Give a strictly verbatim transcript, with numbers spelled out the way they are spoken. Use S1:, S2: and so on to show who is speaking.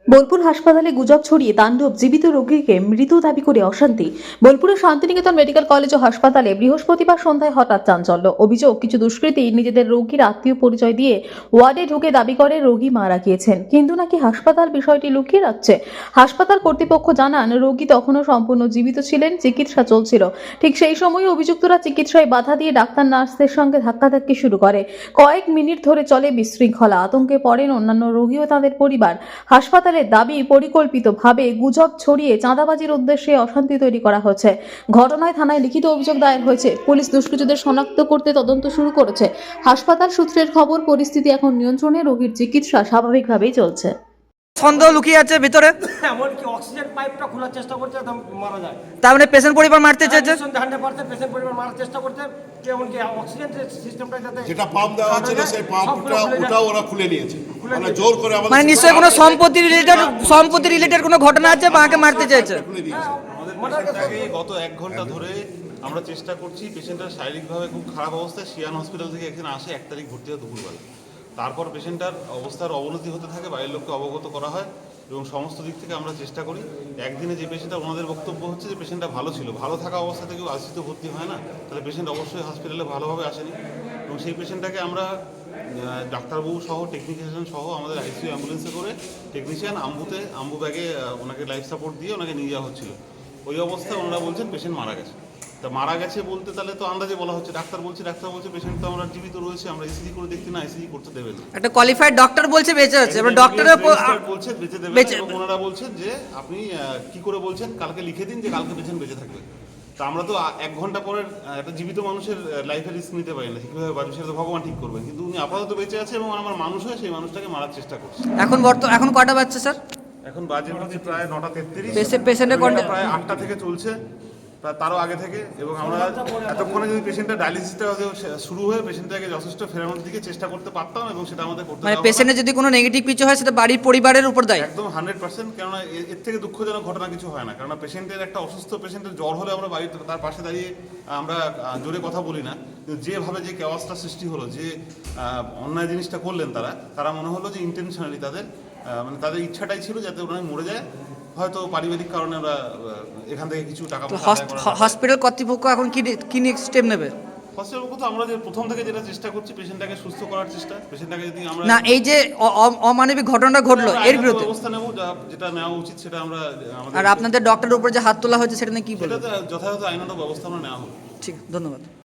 S1: বোলপুর হাসপাতালে গুজব ছড়িয়ে তাণ্ডব, জীবিত রোগীকে মৃত দাবি করে অশান্তি। বোলপুরের শান্তিনিকেতন মেডিকেল কলেজ ও হাসপাতালে বৃহস্পতিবার সন্ধ্যায় হঠাৎ চাঞ্চল্য। অভিযোগ, কিছু দুষ্কৃতী নিজেদের রোগীর আত্মীয় পরিচয় দিয়ে ওয়ার্ডে ঢুকে দাবি করে রোগী মারা গিয়েছেন, কিন্তু নাকি হাসপাতাল বিষয়টি লুকিয়ে রাখছে। হাসপাতাল কর্তৃপক্ষ জানান, রোগী তখনও সম্পূর্ণ জীবিত ছিলেন, চিকিৎসা চলছিল। ঠিক সেই সময় অভিযুক্তরা চিকিৎসায় বাধা দিয়ে ডাক্তার নার্সদের সঙ্গে ধাক্কাধাক্কি শুরু করে। কয়েক মিনিট ধরে চলে বিশৃঙ্খলা। আতঙ্কে পড়েন অন্যান্য রোগী ও তাদের পরিবার। হাসপাতাল দাবি, পরিকল্পিতভাবে গুজব ছড়িয়ে চাঁদাবাজির উদ্দেশ্যে অশান্তি তৈরি করা হয়েছে। ঘটনায় থানায় লিখিত অভিযোগ দায়ের হয়েছে। পুলিশ দুষ্কৃতীদের শনাক্ত করতে তদন্ত শুরু করেছে। হাসপাতাল সূত্রের খবর, পরিস্থিতি এখন নিয়ন্ত্রণে, রোগীর চিকিৎসা স্বাভাবিকভাবেই চলছে।
S2: সন্দেহ লুকিয়ে আছে ভিতরে,
S3: এমনকি অক্সিজেন পাইপটা খোলার চেষ্টা করছে, একদম মারা যায়।
S2: তার মানে পেশেন্ট পরিবার মারতে চেয়েছে,
S3: হান্ড্রেড পার্সেন্ট পেশেন্ট পরিবার মারার চেষ্টা করছে। এমনকি অক্সিজেন সিস্টেমটা যাতে
S4: যেটা পাম্প দেওয়া ছিল সেই পাম্পটা ওটাও ওরা খুলে নিয়েছে, মানে জোর করে আমাদের।
S2: মানে নিশ্চয়ই কোনো সম্পত্তি রিলেটেড সম্পত্তি রিলেটেড কোনো ঘটনা আছে, মাকে মারতে চেয়েছে।
S4: খুলে দিয়েছে।
S5: আমাদের পেশেন্টটাকে গত এক ঘন্টা ধরে আমরা চেষ্টা করছি। পেশেন্টটার শারীরিকভাবে খুব খারাপ অবস্থায় সিয়ান হসপিটাল থেকে এখানে আসে এক তারিখ ভর্তি হয় দুপুরবেলা। তারপর পেশেন্টটার অবস্থার অবনতি হতে থাকে, বাইরের লোককে অবগত করা হয় এবং সমস্ত দিক থেকে আমরা চেষ্টা করি। একদিনে যে পেশেন্টটা, ওনাদের বক্তব্য হচ্ছে যে পেশেন্টটা ভালো ছিল, ভালো থাকা অবস্থা থেকেও আইসিইউতে ভর্তি হয় না, তাহলে পেশেন্ট অবশ্যই হসপিটালে ভালোভাবে আসেনি। এবং সেই পেশেন্টটাকে আমরা ডাক্তারবাবু সহ টেকনিশিয়ান সহ আমাদের আইসিইউ অ্যাম্বুলেন্সে করে টেকনিশিয়ান আম্বুতে আম্বু ব্যাগে ওনাকে লাইফ সাপোর্ট দিয়ে ওনাকে নিয়ে যাওয়া হচ্ছিল। ওই অবস্থায় ওনারা বলছেন পেশেন্ট মারা গেছে। তা মারা গেছে বলতে তাহলে তো আন্দাজে বলা হচ্ছে, ডাক্তার বলছে ডাক্তার বলছে পেশেন্ট তো আমরা জীবিত রয়েছে, আমরা ইসিজি করে দেখছি না, ইসিজি করতে দেবে না।
S2: একটা কোয়ালিফাইড ডক্টর বলছে বেঁচে আছে, এবার ডক্টরের
S5: বলছে বেঁচে দেবে
S2: বেঁচে-
S5: এবং ওনারা বলছেন যে আপনি আহ, কি করে বলছেন, কালকে লিখে দিন যে কালকে পেশেন্ট বেঁচে থাকবে। তা আমরা তো আ- এক ঘন্টা পরের আহ, একটা জীবিত মানুষের লাইফের রিস্ক নিতে পারি না, কীভাবে পারি সেটা তো ভগবান ঠিক করবেন। কিন্তু উনি আপাতত বেঁচে আছে এবং আমার মানুষ হয়ে সেই মানুষটাকে মারার চেষ্টা করছে।
S2: এখন বর্তমান এখন কটা বাজছে স্যার?
S5: এখন বাজে হচ্ছে প্রায় নটা তেত্রিশ।
S2: পেশেন্ট- পেশেন্টের কন্ডি-
S5: প্রায় আটটা থেকে চলছে, প্রায় তারও আগে থেকে। এবং আমরা এতক্ষণে যদি পেশেন্টের ডায়ালিসিসটা শুরু হয়ে পেশেন্টটাকে যথেষ্ট ফেরানোর দিকে চেষ্টা করতে পারতাম এবং সেটা আমাদের করতে
S2: মানে
S5: দেওয়া হলো না।
S2: পেশেন্টের যদি কোনো নেগেটিভ কিছু হয় সেটা বাড়ির পরিবারের উপর দায়ী।
S5: একদম হান্ড্রেড পার্সেন্ট। কেননা এ- এর থেকে দুঃখজনক ঘটনা কিছু হয় না। কেননা পেশেন্টের একটা অসুস্থ পেশেন্টের জ্বর হলে আমরা বাড়িতে তার পাশে দাঁড়িয়ে আমরা আহ, জোরে কথা বলি না, কিন্তু যেভাবে যে কেওয়াসটা সৃষ্টি হলো, যে আহ, অন্যায় জিনিসটা করলেন তারা তারা মনে হলো যে ইন্টেনশনালি তাদের আহ, মানে তাদের ইচ্ছাটাই ছিল যাতে ওরা মরে যায়। হয়তো পারিবারিক কারণে ওরা আহ, এখান থেকে কিছু টাকা পয়সা আদায় করার জন্য-
S2: হসপিটাল কর্তৃপক্ষ এখন কি কি নেক্সট স্টেপ নেবে?
S5: হসপিটাল তো আমরা যে প্রথম থেকে যেটা চেষ্টা করছি, পেশেন্টটাকে সুস্থ করার চেষ্টা। পেশেন্টটাকে যদি আমরা
S2: না, এই যে অ- অ- অমানবিক ঘটনাটা ঘটলো
S5: আমরা
S2: এর
S5: আইনত
S2: বিরুদ্ধে,
S5: ব্যবস্থা নেব, যা- যেটা নেওয়া উচিত সেটা আমরা আমাদের
S2: আর আপনাদের ডক্টরের উপর যে হাত তোলা হয়েছে সেটা নিয়ে কি বলবেন?
S5: সেটাতে যথাযথ আইনত ব্যবস্থা আমরা নেওয়া হবে।
S2: ঠিক, ধন্যবাদ।